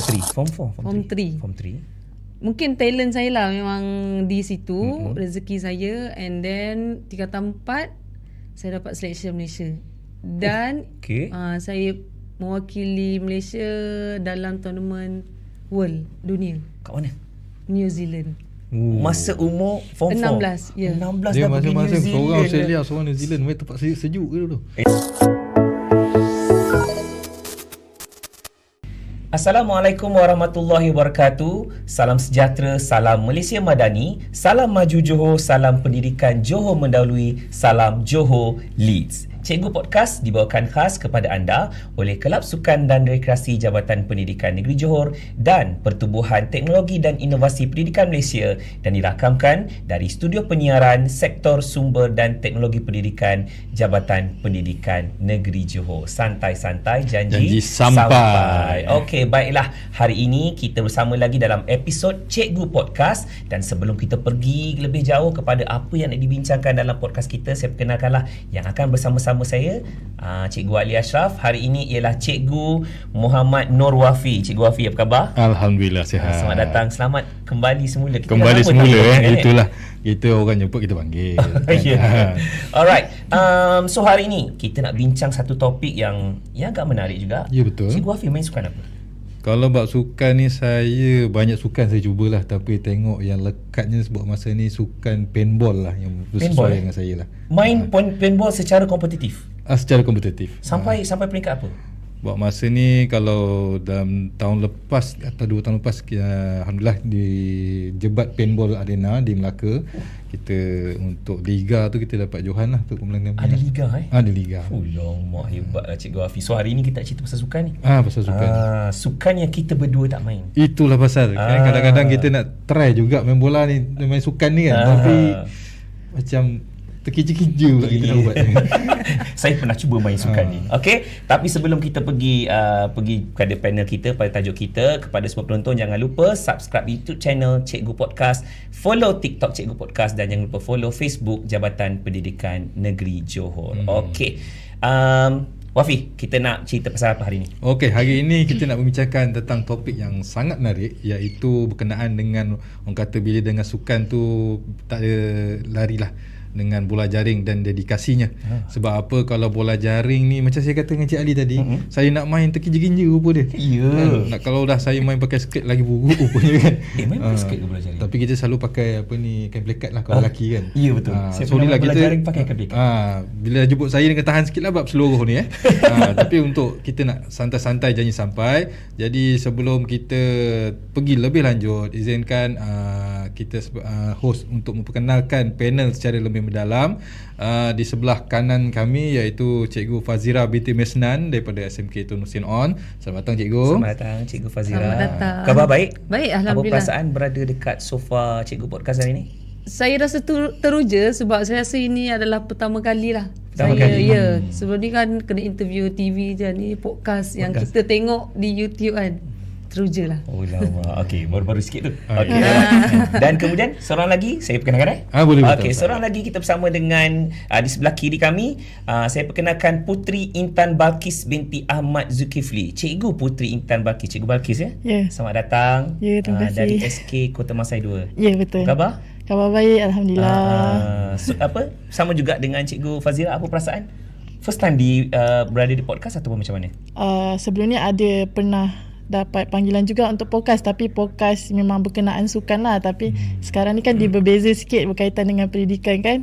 Form 4, Form 3. Form 3. Mungkin talent saya lah memang di situ, rezeki saya. And then tingkatan 4 saya dapat selection Malaysia. Dan saya mewakili Malaysia dalam tournament World Dunia. Kat mana? New Zealand. Masa umur Form 4 16, ya. 16 Dia dah pergi New masing-masing Zealand. seorang Australia, seorang New Zealand. Mereka tempat sejuk ke dulu. Assalamualaikum warahmatullahi wabarakatuh. Salam sejahtera, salam Malaysia Madani, salam maju Johor, salam pendidikan Johor mendahului, salam Johor Leads. Cikgu Podcast dibawakan khas kepada anda oleh Kelab Sukan dan Rekreasi Jabatan Pendidikan Negeri Johor dan Pertubuhan Teknologi dan Inovasi Pendidikan Malaysia dan dirakamkan dari studio penyiaran Sektor Sumber dan Teknologi Pendidikan Jabatan Pendidikan Negeri Johor. Santai-santai, janji sampai. Okey, baiklah. Hari ini kita bersama lagi dalam episod Cikgu Podcast dan sebelum kita pergi lebih jauh kepada apa yang nak dibincangkan dalam podcast kita, saya perkenalkanlah yang akan bersama-sama saya, Cikgu Ali Ashraf. Hari ini ialah Cikgu Muhammad Nur Wafi. Cikgu Wafi, apa khabar? Alhamdulillah sihat. Selamat datang, selamat kembali semula. Kembali semula itulah. Kita orang jemput, kita panggil. Yeah. Alright. So hari ini kita nak bincang satu topik yang agak menarik juga. Ya, betul. Cikgu Wafi main sukan apa? Kalau bab sukan ni, saya banyak sukan saya cubalah, tapi tengok yang lekatnya sebab masa ni sukan paintball lah yang sesuai dengan saya lah. Main paintball secara kompetitif? Secara kompetitif. Sampai peringkat apa? Buat masa ni, kalau dalam tahun lepas atau 2 tahun lepas, Alhamdulillah di Jebat Paintball Arena di Melaka, kita untuk liga tu kita dapat johan lah untuk kemenangan. Ada liga Ada liga. Mak hebat lah Cikgu Hafiz. So hari ni kita nak cerita pasal sukan ni. Pasal sukan. Sukan yang kita berdua tak main. Itulah pasal. Kan kadang-kadang kita nak try juga main bola ni, main sukan ni kan. Tapi macam terkija-kija pula kita nak buat. Saya pernah cuba main sukan ni. Okey, tapi sebelum kita pergi kepada panel kita, pada tajuk kita, kepada semua penonton jangan lupa subscribe YouTube channel Cikgu Podcast, follow TikTok Cikgu Podcast dan jangan lupa follow Facebook Jabatan Pendidikan Negeri Johor. Okey. Wafi, kita nak cerita pasal apa hari ni? Okey, hari ini kita nak membincangkan tentang topik yang sangat menarik, iaitu berkenaan dengan orang kata bila dengan sukan tu tak ada larilah dengan bola jaring dan dedikasinya. Sebab apa, kalau bola jaring ni macam saya kata dengan Cik Ali tadi, saya nak main terkinja-kinja rupa dia. Nak kalau dah saya main pakai skirt lagi buruk rupanya kan. Main pakai skirt ke bola jaring? Tapi kita selalu pakai kain plekat lah kalau lelaki kan. Ya, betul. Saya pernah main bola jaring pakai kain plekat. Bila jemput saya dengan tahan sikit lah bab seluruh ni tapi untuk kita nak santai-santai janji sampai. Jadi sebelum kita pergi lebih lanjut, izinkan kita host untuk memperkenalkan panel secara lebih mendalam. Di sebelah kanan kami iaitu Cikgu Fazira binti Mesnan daripada SMK Tun Hussein On. Selamat datang Cikgu. Selamat datang Cikgu Fazira. Selamat datang. Khabar baik? Baik, Alhamdulillah. Apa perasaan berada dekat sofa Cikgu Podcast hari ni? Saya rasa teruja sebab saya rasa ini adalah pertama kali lah. Sebelum ni kan kena interview TV je, ni podcast yang kita tengok di YouTube kan. Teruja lah. Oh lama. Okey, baru-baru sikit tu. Okey. Dan kemudian seorang lagi saya perkenalkan boleh. Okey, seorang lagi kita bersama dengan di sebelah kiri kami, saya perkenalkan Putri Intan Balkis binti Ahmad Zulkifli. Cikgu Putri Intan Balkis. Cikgu Balkis ya? Ya. Selamat datang. Ya, terima kasih. Dari SK Kota Masai 2. Ya, betul. Khabar? Khabar baik, Alhamdulillah. Sama juga dengan Cikgu Fazira, apa perasaan? First time berada di podcast ataupun macam mana? Sebelum ni ada pernah dapat panggilan juga untuk podcast, tapi podcast memang berkenaan sukan lah, tapi sekarang ni kan dia berbeza sikit berkaitan dengan pendidikan kan.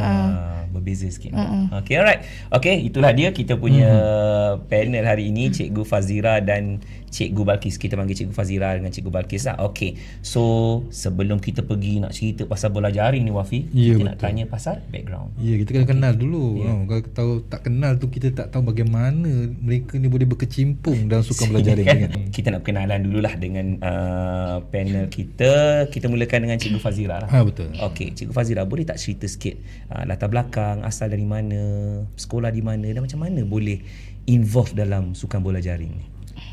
Berbeza sikit. Okay, alright. Okay, itulah dia kita punya panel hari ini, Cikgu Fazira dan Cikgu Balkis. Kita panggil Cikgu Fazira dengan Cikgu Balkis lah. Okay, so sebelum kita pergi nak cerita pasal bola jaring ni Wafi, kita nak tanya pasal background. Ya, kita kena kenal dulu. Kalau tahu tak kenal tu, kita tak tahu bagaimana mereka ni boleh berkecimpung dalam sukan bola jaring kan? Kita nak perkenalan dululah dengan panel kita. Kita mulakan dengan Cikgu Fazira lah. Betul. Okay, Cikgu Fazira, boleh tak cerita sikit latar belakang, asal dari mana, sekolah di mana dan macam mana boleh involve dalam sukan bola jaring ni?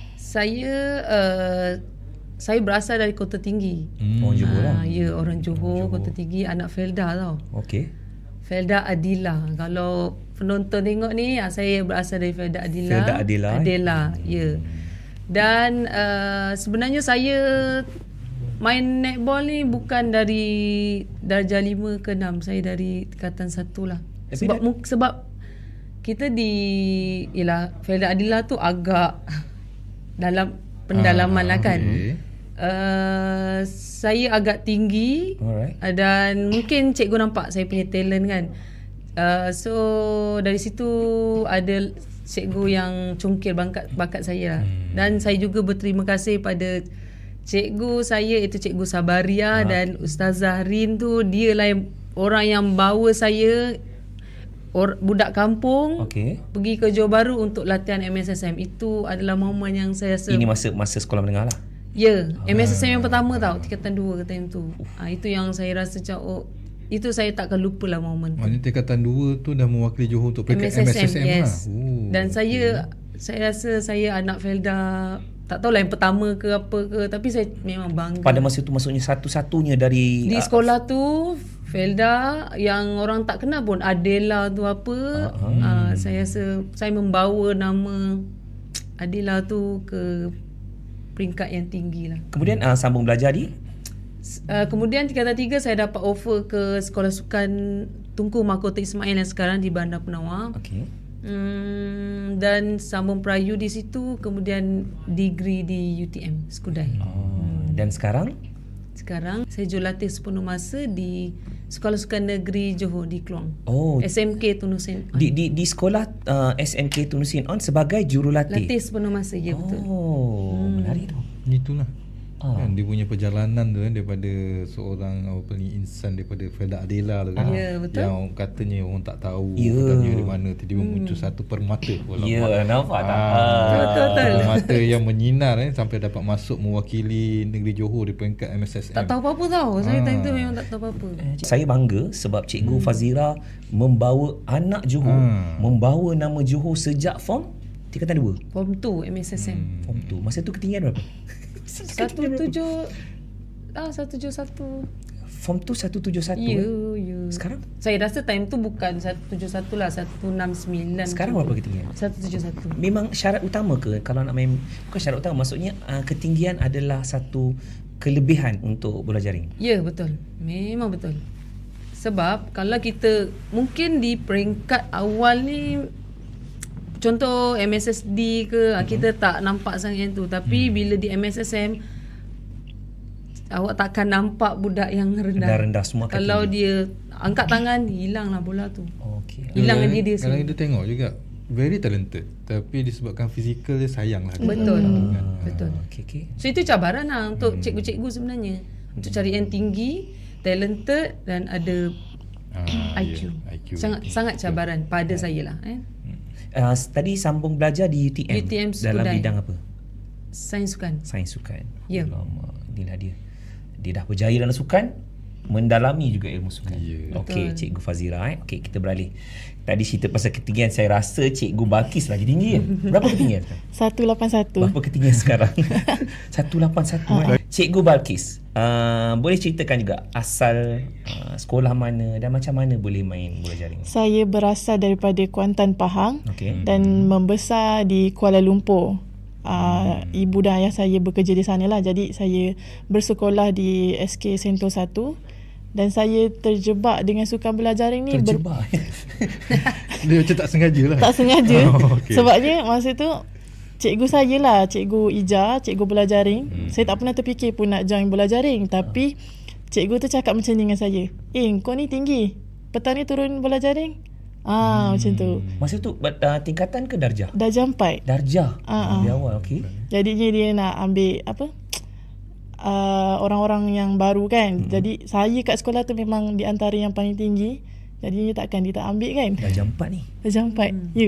Saya berasal dari Kota Tinggi. Orang Johor lah. Ya, orang Johor, Kota Tinggi, anak Felda tau. Okey. Felda Adila. Kalau penonton tengok ni, saya berasal dari Felda Adila. Felda Adila. Ya. Dan sebenarnya saya main netball ni bukan dari darjah 5 ke 6. Saya dari tingkatan 1 lah. Sebab kita di Felda Adila tu agak dalam pendalaman lah kan. Saya agak tinggi. Dan mungkin cikgu nampak saya punya talent kan. So dari situ ada cikgu yang congkil bakat saya lah. Dan saya juga berterima kasih pada cikgu saya, itu Cikgu Sabaria dan Ustazah Rin tu. Dia lah orang yang bawa saya budak kampung pergi ke Johor Bahru untuk latihan MSSM. Itu adalah momen yang saya rasa, ini masa sekolah menengah lah. Ya, MSSM yang pertama tau, tingkatan 2 time tu. Itu yang saya rasa macam itu saya takkan lupa lah momen tu. Maknanya tingkatan 2 tu dah mewakili Johor untuk peringkat MSSM yes. lah. Dan saya rasa saya anak Felda, tak tahulah yang pertama ke apa ke, tapi saya memang bangga. Pada masa tu maksudnya satu-satunya di sekolah tu Felda yang orang tak kenal pun, Adela tu apa. Saya rasa saya membawa nama Adela tu ke peringkat yang tinggi lah. Kemudian sambung belajar kemudian tingkatan 3 saya dapat offer ke Sekolah Sukan Tunku Mahkota Ismail yang sekarang di Bandar Penawar. Dan sambung perayu di situ, kemudian degree di UTM Skudai. Dan sekarang saya jurulatih sepenuh masa di Sekolah Sukan Negeri Johor di Kluang. SMK Tunusin On. Di sekolah SMK Tunusin On sebagai jurulatih. Latih sepenuh masa, ya betul. Menarik tu. Itulah. Kan dia punya perjalanan tu kan, daripada seorang insan daripada Felda Adela tu kan. Ya, betul. Yang katanya orang tak tahu katanya dari mana, tiba-tiba muncul satu permata. Nampak tak? Betul. Permata yang menyinar sampai dapat masuk mewakili negeri Johor di peringkat MSSM. Tak tahu apa-apa tau. Saya time tu memang tak tahu apa-apa. Saya bangga sebab Cikgu Fazira membawa anak Johor, membawa nama Johor sejak form tingkatan 2. Form 2 MSSM. Form 2. Masa tu ketinggian berapa? 171. Form tu 171. Ya. Sekarang? Saya rasa time tu bukan 171 lah, 169. Sekarang berapa ketinggian? 171. Memang syarat utama ke kalau nak main? Bukan syarat utama, maksudnya ketinggian adalah satu kelebihan untuk bola jaring. Ya, betul. Memang betul. Sebab kalau kita mungkin di peringkat awal ni, contoh MSSD ke, kita tak nampak sangat yang tu. Tapi bila di MSSM, awak takkan nampak budak yang rendah semua. Kalau dia angkat tangan, hilanglah bola tu. Hilang dia Kalau kita tengok juga very talented, tapi disebabkan fizikal dia sayang lah. Betul. So itu cabaran lah untuk cikgu-cikgu sebenarnya, untuk cari yang tinggi, talented dan ada IQ. Sangat cabaran pada saya lah. Tadi sambung belajar di UTM dalam Skudai. bidang apa? Sains sukan. Ya. Inilah dia dah berjaya dalam sukan, mendalami juga ilmu sukan. Okey, Cikgu Fazira. Okey, kita beralih. Tadi cerita pasal ketinggian, saya rasa Cikgu Balkis lagi tinggi kan? Berapa ketinggian? 181. Berapa ketinggian sekarang? 181. Cikgu Balkis, boleh ceritakan juga asal sekolah mana dan macam mana boleh main bola jaring? Saya berasal daripada Kuantan, Pahang dan membesar di Kuala Lumpur. Ibu dan ayah saya bekerja di sana lah. Jadi saya bersekolah di SK Sento 1 dan saya terjebak dengan sukan bola jaring ni. Terjebak? Dia macam tak sengaja lah. Tak sengaja. Sebabnya masa tu cikgu saya lah, Cikgu Ija, cikgu bola jaring. Saya tak pernah terfikir pun nak join bola jaring. Tapi cikgu tu cakap macam ni dengan saya, kau ni tinggi, petang ni turun bola jaring. Macam tu. Masa tu tingkatan ke darjah? Darjah 4. Darjah? Di awal, okey. Jadinya dia nak ambil orang-orang yang baru kan. Jadi saya kat sekolah tu memang di antara yang paling tinggi. Jadinya takkan dia tak ambil kan. Darjah 4 ni? Darjah 4, ya.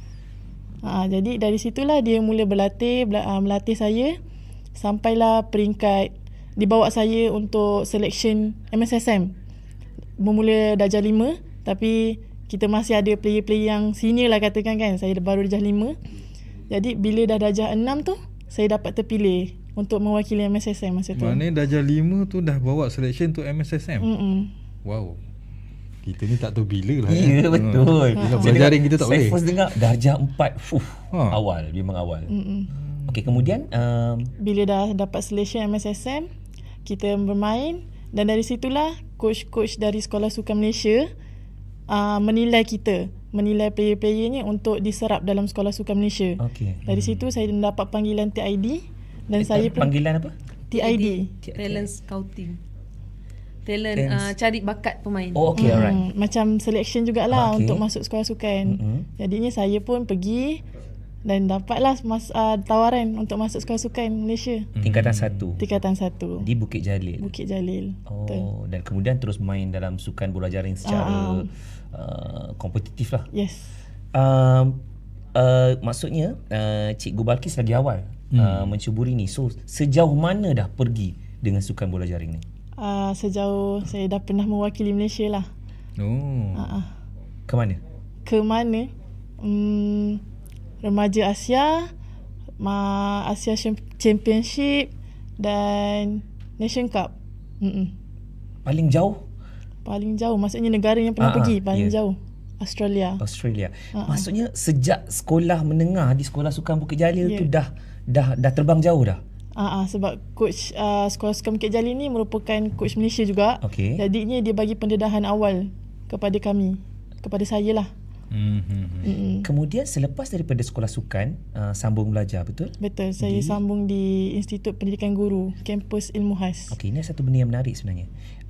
Jadi dari situlah dia mula melatih saya. Sampailah peringkat, dibawa saya untuk selection MSSM. Bermula darjah 5, tapi kita masih ada player-player yang senior lah katakan kan. Saya baru darjah 5. Jadi bila dah darjah 6 tu, saya dapat terpilih untuk mewakili MSSM masa tu. Maknanya darjah 5 tu dah bawa selection untuk MSSM? Wow. Kita ni tak tahu bila lah. Ya, betul. Bila bola jaring kita tak boleh. Saya first dengar darjah 4. Awal, memang awal. Okey, kemudian Bila dah dapat selection MSSM, kita bermain dan dari situlah coach-coach dari Sekolah Sukan Malaysia menilai kita, menilai player-player ni untuk diserap dalam Sekolah Sukan Malaysia. okey. Dari situ saya dapat panggilan TID dan saya pun Panggilan apa? TID. Talent scouting. Talent cari bakat pemain. Oh, okey, alright. Macam selection jugalah Okey. untuk masuk sekolah sukan. Jadinya saya pun pergi dan dapatlah tawaran untuk masuk sekolah sukan Malaysia. Tingkatan 1 Tingkatan 1. di Bukit Jalil. Bukit Jalil. Betul. Oh, dan kemudian terus main dalam sukan bola jaring secara kompetitif lah. Yes. Maksudnya Cikgu Balkis lagi awal mencuburi ni. So sejauh mana dah pergi dengan sukan bola jaring ni? Sejauh saya dah pernah mewakili Malaysia lah. Ke mana? Ke mana? Remaja Asia, Asia Championship dan Nation Cup. Paling jauh? Paling jauh maksudnya negara yang pernah pergi paling jauh. Australia. Maksudnya sejak sekolah menengah di Sekolah Sukan Bukit Jalil tu dah terbang jauh dah. Sebab coach Sekolah Sukan Bukit Jalil ni merupakan coach Malaysia juga. Okey. Jadinya dia bagi pendedahan awal kepada kami, kepada saya lah. Kemudian selepas daripada sekolah sukan sambung belajar, betul? Betul, saya sambung di Institut Pendidikan Guru, kampus Ilmu Khas. Okey, ini satu benda yang menarik sebenarnya.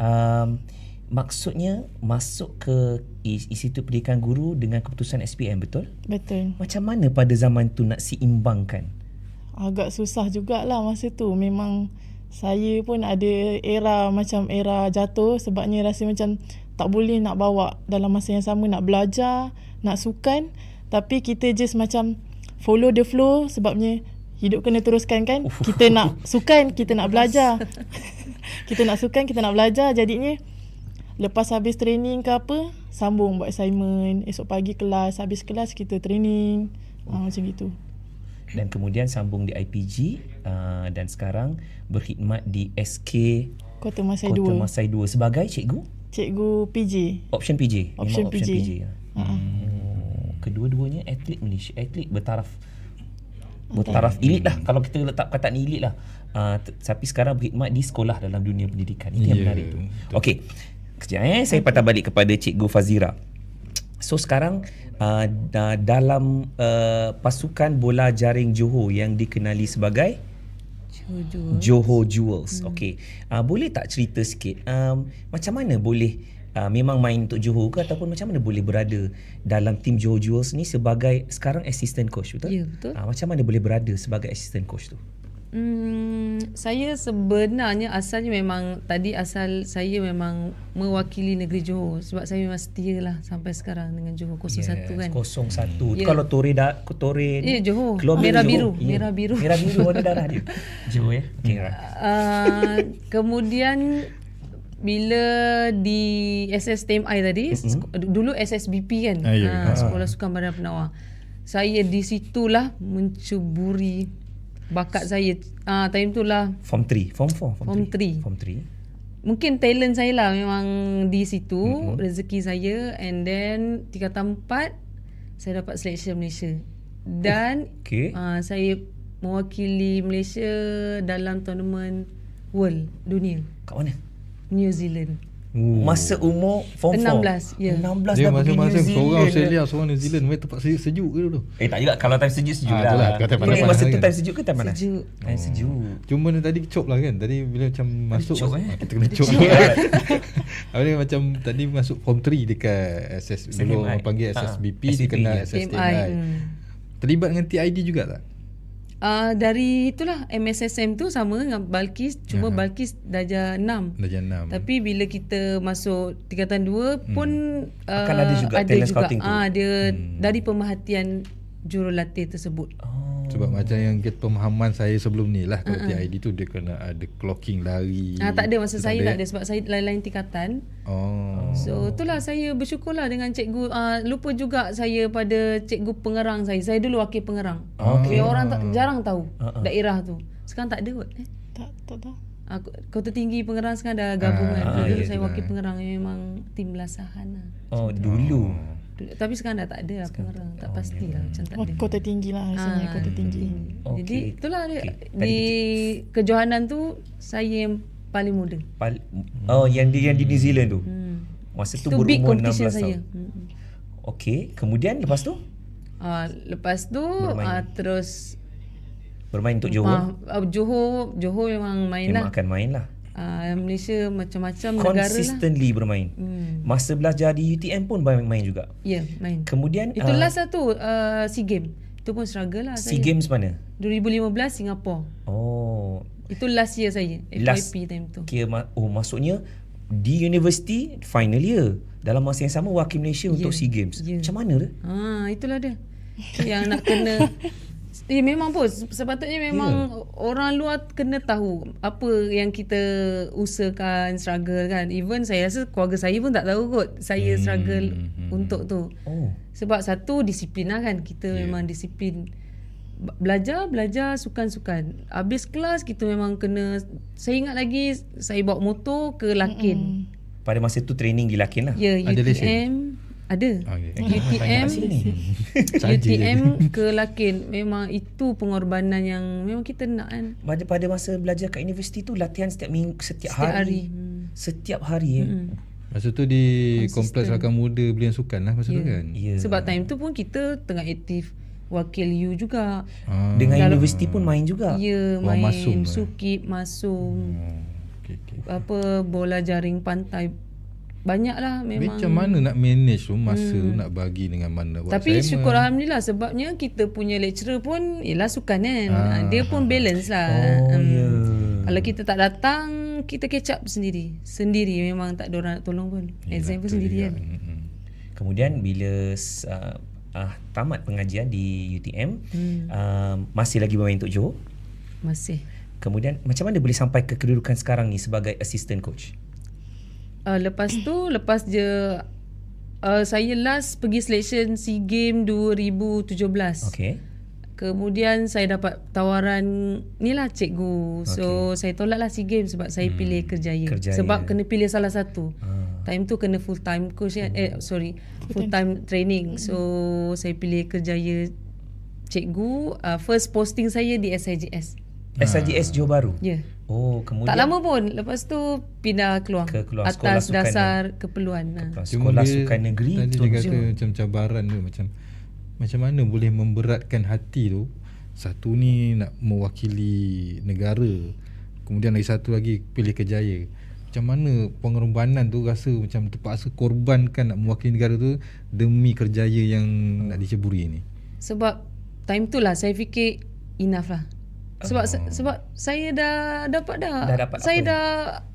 Maksudnya masuk ke Institut Pendidikan Guru dengan keputusan SPM, betul? Betul. Macam mana pada zaman tu nak seimbangkan? Agak susah jugalah masa tu. Memang saya pun ada era jatuh sebabnya rasa macam tak boleh nak bawa dalam masa yang sama, nak belajar, nak sukan, tapi kita just macam follow the flow sebabnya hidup kena teruskan kan. Kita nak sukan, kita nak belajar. Kita nak sukan, kita nak belajar. Jadinya lepas habis training ke apa, sambung buat assignment. Esok pagi kelas, habis kelas kita training. Macam gitu. Dan kemudian sambung di IPG dan sekarang berkhidmat di SK Kota Masai Kota 2. Masai 2 sebagai cikgu PJ. Option PJ. Option Memang PJ. Kedua-duanya atlet Malaysia, atlet bertaraf elit lah, kalau kita letak perkataan elit lah. Tapi sekarang berkhidmat di sekolah dalam dunia pendidikan. Itu yang menarik tu. Okey, kejap saya patah balik kepada Cikgu Fazira. So sekarang dalam pasukan bola jaring Johor yang dikenali sebagai Johor Jewels. Okey. Boleh tak cerita sikit macam mana boleh memang main untuk Johor ke ataupun macam mana boleh berada dalam tim Johor Jewels ni sebagai sekarang assistant coach, betul? Ya, betul. Macam mana boleh berada sebagai assistant coach tu? Saya sebenarnya asalnya memang asal saya memang mewakili negeri Johor sebab saya memang setia lah sampai sekarang dengan Johor 01 kan. 01. Ya. Kalau Tore Ya, Johor. keluar Merah Johor. biru, merah biru. Merah biru warna darah dia. Johor ya. Okey, right. Kemudian bila di SSTMI tadi, dulu SSBP kan, Sekolah Sukan Badan Penawar. Saya di situlah mencuburi bakat saya. Time tu lah Form 3, Form 4, Form 3. Form 3. Mungkin talent saya lah memang di situ, rezeki saya, and then tingkatan 4 saya dapat selection Malaysia. Dan saya mewakili Malaysia dalam tournament World Dunia. Kat mana? New Zealand. Masa umur Form 4 16, ya. 16 Dia dah pergi New masing-masing seorang Zealand. Australia, seorang New Zealand. Mereka tempat sejuk ke dulu? Tak juga. Kalau time sejuk lah. itulah, kau time Ini panas-panas masa tu kan? time sejuk ke time panas? Sejuk. Time sejuk. Cuma tadi cop lah kan. Tadi bila macam masuk cop, kita kena cop. Habis ni macam tadi masuk form 3 dekat SS dulu orang panggil SSBP, dia kena SSTMI. Terlibat dengan TID juga tak? Dari itulah MSSM tu sama dengan Balkis, cuma Balkis darjah 6. Darjah 6. Tapi bila kita masuk tingkatan 2 pun Akan ada juga talent scouting tu. Dia dari pemerhatian jurulatih tersebut. Sebab macam yang pemahaman saya sebelum ni lah, kalau TID tu dia kena ada clocking lari. Tak ada, masa saya tak ada sebab saya lain-lain tingkatan. So itulah saya bersyukurlah dengan cikgu. Lupa juga saya pada cikgu pengerang saya. Saya dulu wakil pengerang. Orang jarang tahu daerah tu. Sekarang tak ada kot. Tak tahu. Kota Tinggi Pengerang sekarang dah gabung kan. Dulu saya itulah. wakil pengerang yang memang tim belasahan lah. Dulu. Tapi sekarang dah tak ada lah pengarang. Tak pastilah macam tak ada. Kota tinggi lah rasanya, kota tinggi. Jadi itulah dia. Okey. Di kejohanan tu saya yang paling muda. yang di New Zealand tu. Masa tu Itu big berumur competition 16 saya. tahun. Okey, kemudian lepas tu Lepas tu terus bermain untuk Johor. Johor memang main Memang lah. akan main lah. Malaysia macam-macam negara lah. Consistently bermain. Masa belajar di UTM pun main juga. Ya, main. Kemudian Itu last lah tu SEA Games. Itu pun struggle lah SEA saya. Games mana? 2015 Singapore. Oh, Itu last year saya. FYP time tu. Kira maksudnya di universiti final year dalam masa yang sama wakil Malaysia untuk SEA Games. Macam mana tu? Itulah dia. Yang nak kena memang pun sepatutnya memang orang luar kena tahu apa yang kita usahakan, struggle kan. Even saya rasa keluarga saya pun tak tahu kot saya struggle untuk tu. Sebab satu disiplin lah kan. Kita memang disiplin. Belajar sukan-sukan. Habis kelas kita memang kena. Saya ingat lagi saya bawa motor ke Lakin. Pada masa tu training di Lakin lah. Ya, Ada UTM ada. UTM UTM ke Lakin. Memang itu pengorbanan yang memang kita nak kan. Pada masa belajar kat universiti tu latihan setiap hari. Setiap hari. Masa tu di Kompleks Rakan Muda Belian Sukan lah masa tu kan. Sebab time tu pun kita tengah aktif wakil U juga. Dengan universiti pun main juga. Ya, main masum Sukip, masum. Okay. Apa bola jaring pantai. Banyak lah memang. Macam mana nak manage tu masa tu nak bagi dengan mana buat Tapi assignment. syukur Alhamdulillah sebabnya kita punya lecturer pun ialah sukan kan. Dia pun balance lah. Kalau kita tak datang, kita catch up sendiri. Memang tak ada orang nak tolong pun. Exam pun sendiri kan. Kemudian bila tamat pengajian di UTM, masih lagi bermain untuk Johor? Masih. Kemudian macam mana boleh sampai ke kedudukan sekarang ni sebagai assistant coach? Lepas je saya last pergi selection SEA Games 2017. Okay. Kemudian saya dapat tawaran ni lah cikgu. So saya tolak lah SEA Games sebab saya pilih Kerjaya. Sebab kena pilih salah satu. Time tu kena full time coach kan. Full time training. So saya pilih Kerjaya cikgu. First posting saya di SIJS. SIJS Johor Bahru? Ya. Kemudian tak lama pun. Lepas tu pindah keluar atas dasar keperluan. Sekolah Sukan Negeri. Tadi dia kata macam cabaran tu macam mana boleh memberatkan hati tu. Satu ni nak mewakili negara, kemudian lagi satu lagi pilih Kerjaya. Macam mana pengorbanan tu rasa macam terpaksa korbankan nak mewakili negara tu demi Kerjaya yang nak diceburi ni? Sebab time tu lah saya fikir enough lah. Sebab saya dah dapat saya dah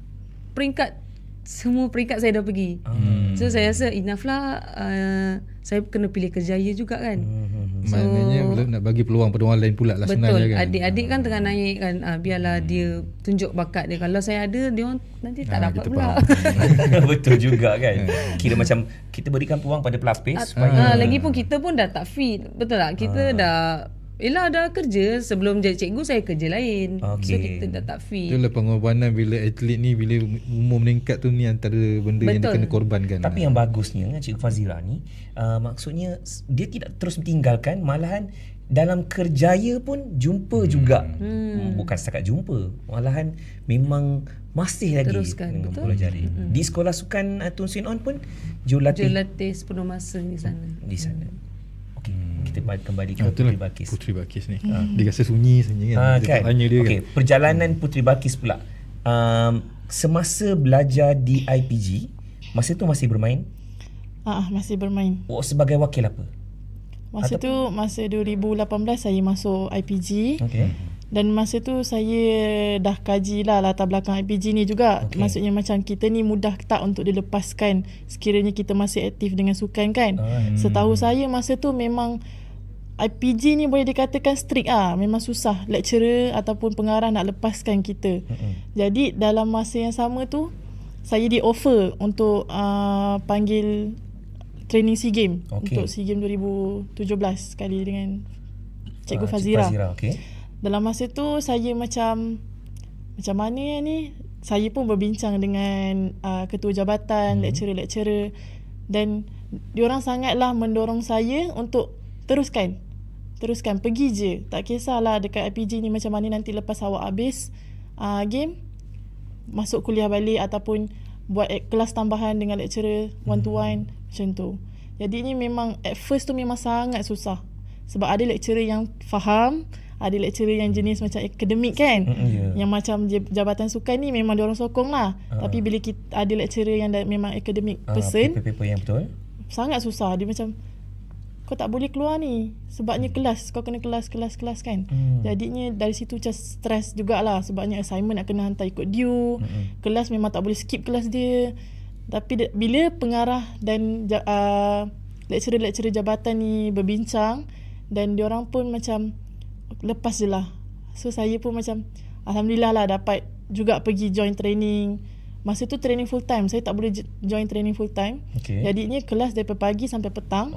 semua peringkat saya dah pergi. So saya rasa enough lah. Saya kena pilih Kerjaya juga kan. Maknanya nak bagi peluang pada orang lain pula lah sebenarnya kan. Adik-adik kan tengah naik kan. Biarlah dia tunjuk bakat dia. Kalau saya ada, dia orang nanti tak dapat pula. Betul juga kan. Kira macam kita berikan peluang pada pelapis supaya lagipun kita pun dah tak fit. Betul tak? Kita dah kerja. Sebelum jadi cikgu saya kerja lain. So kita dah tak fit. Itulah pengorbanan bila atlet ni, bila umur meningkat tu, ni antara benda yang dia kena korbankan. Tapi yang bagusnya Cikgu Fazira ni maksudnya dia tidak terus ditinggalkan, malahan dalam Kerjaya pun jumpa juga. Bukan setakat jumpa, malahan memang masih lagi teruskan. dengan bola jaring. Di Sekolah Sukan Tun Sin On pun jurulatih sepenuh masa di sana. Okey, kita kembali ke Puteri Balqis. Puteri Balqis ni. Dia rasa sunyi kan. Kan? Tanya dia kan. Perjalanan Puteri Balqis pula. Semasa belajar di IPG, masa tu masih bermain? Masih bermain. Sebagai wakil apa? Masa 2018 saya masuk IPG. Dan masa tu saya dah kaji lah latar belakang IPG ni juga. Maksudnya macam kita ni mudah tak untuk dilepaskan sekiranya kita masih aktif dengan sukan kan. Setahu saya masa tu memang IPG ni boleh dikatakan strict memang susah lecturer ataupun pengarah nak lepaskan kita. Jadi dalam masa yang sama tu saya di offer untuk panggil training SEA Games untuk SEA Games 2017 sekali dengan Cikgu Fazira. Dalam masa tu saya macam mana ni, saya pun berbincang dengan ketua jabatan, lecturer-lecturer, dan diorang sangatlah mendorong saya untuk teruskan pergi je, tak kisahlah dekat IPG ni macam mana nanti lepas awak habis game masuk kuliah balik ataupun buat kelas tambahan dengan lecturer one to one macam tu. Jadi ni memang at first tu memang sangat susah sebab ada lecturer yang faham, ada lecturer yang jenis macam akademik kan, yang macam jabatan sukan ni memang diorang sokong lah. Tapi bila kita ada lecturer yang memang akademik person, paper yang betul, sangat susah. Dia macam kau tak boleh keluar ni sebabnya kelas, kau kena kelas kan. Jadinya dari situ macam stres jugalah sebabnya assignment nak kena hantar ikut due. Kelas memang tak boleh skip kelas dia. Tapi bila pengarah dan lecturer-lecturer jabatan ni berbincang dan diorang pun macam lepas je lah. So saya pun macam alhamdulillah lah dapat juga pergi join training. Masa tu training full time, saya tak boleh join training full time. Jadinya kelas daripada pagi sampai petang.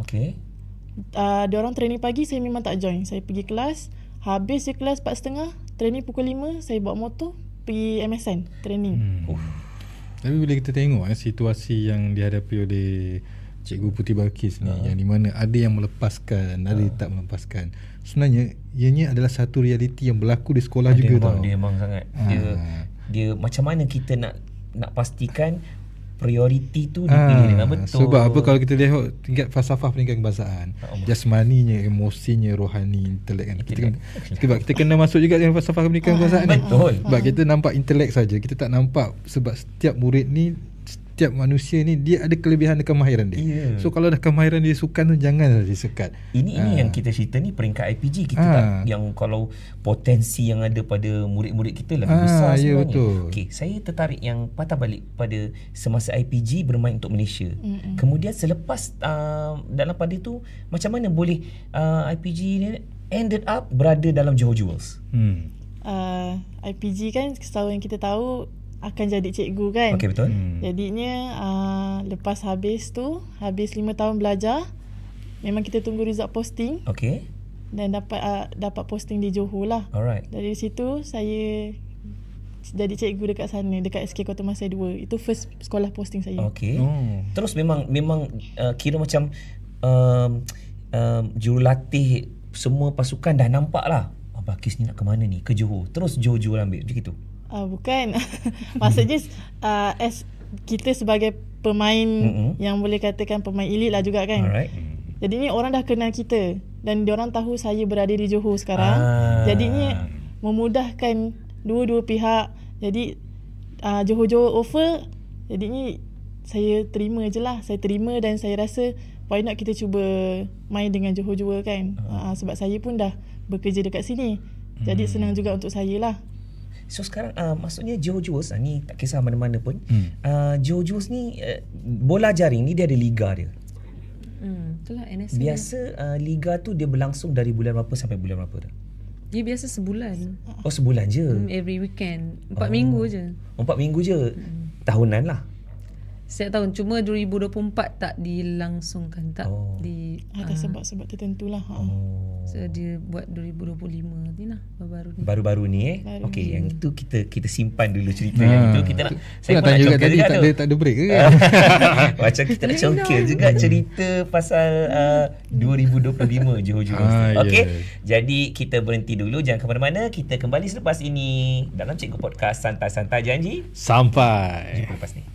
Diorang training pagi, saya memang tak join. Saya pergi kelas, habis je kelas 4.30, training pukul 5, saya bawa motor pergi MSN training. Tapi bila kita tengok situasi yang dihadapi oleh Cikgu Putih Balkis ni, yang di mana ada yang melepaskan, ada yang tak melepaskan, sebenarnya ianya adalah satu realiti yang berlaku di sekolah juga tau. Dia memang sangat dia macam mana kita nak pastikan prioriti tu dipilih dengan betul. Sebab apa, kalau kita lihat tingkat falsafah pendidikan kebangsaan, jasmaninya, emosinya, rohani, intelek kan. Sebab kita kena masuk juga dengan falsafah pendidikan kebangsaan ni. Betul. Sebab kita nampak intelek saja, kita tak nampak sebab setiap murid ni, setiap manusia ni dia ada kelebihan dan kemahiran dia. So kalau dah kemahiran dia sukan tu, janganlah disekat. Ini yang kita cerita ni peringkat IPG kita tak, yang kalau potensi yang ada pada murid-murid kita lebih besar sebenarnya. Betul. Okey, saya tertarik yang patah balik pada semasa IPG bermain untuk Malaysia. Kemudian selepas dalam pada tu macam mana boleh IPG ni ended up berada dalam Johor Jewels? IPG kan setahu yang kita tahu akan jadi cikgu kan. Okey, betul. Jadinya lepas habis 5 tahun belajar, memang kita tunggu result posting. Okey. Dan dapat posting di Johor lah. Alright. Dari situ saya jadi cikgu dekat sana, dekat SK Kota Masai 2. Itu first sekolah posting saya. Okey. Terus memang kira macam jurulatih semua pasukan dah nampak lah, Balkis ni nak ke mana ni, ke Johor. Terus Johor ambil macam itu. Bukan. Maksudnya as kita sebagai pemain yang boleh katakan pemain elit lah juga kan. Alright. Jadi ni orang dah kenal kita dan diorang tahu saya berada di Johor sekarang. Jadinya memudahkan dua-dua pihak. Jadi Johor offer, jadinya saya terima je lah. Saya terima dan saya rasa why not kita cuba main dengan Johor juga kan. Sebab saya pun dah bekerja dekat sini. Jadi senang juga untuk saya lah. So sekarang maksudnya Johor Jewels ni tak kisah mana-mana pun. Johor Jewels ni bola jaring ni dia ada liga dia. Itulah NSL. Biasa liga tu dia berlangsung dari bulan berapa sampai bulan berapa dah? Dia biasa sebulan. Oh, sebulan je. Every weekend. 4 minggu je. 4 minggu je. Tahunan lah. Setiap tahun. Cuma 2024 tak dilangsungkan. Tak ada sebab-sebab tertentu lah. So dia buat 2025 ni lah, baru-baru ni. Baru-baru ni Okey, yang itu kita simpan dulu cerita yang itu. Kita nak saya nak tanya juga tadi tak ada break ke kan? Macam kita nak congkel juga cerita pasal 2025 Johor Jewels. Okey. Jadi kita berhenti dulu, jangan ke mana-mana. Kita kembali selepas ini dalam Cikgu Podcast Santai-Santai, janji sampai jumpa lepas ni.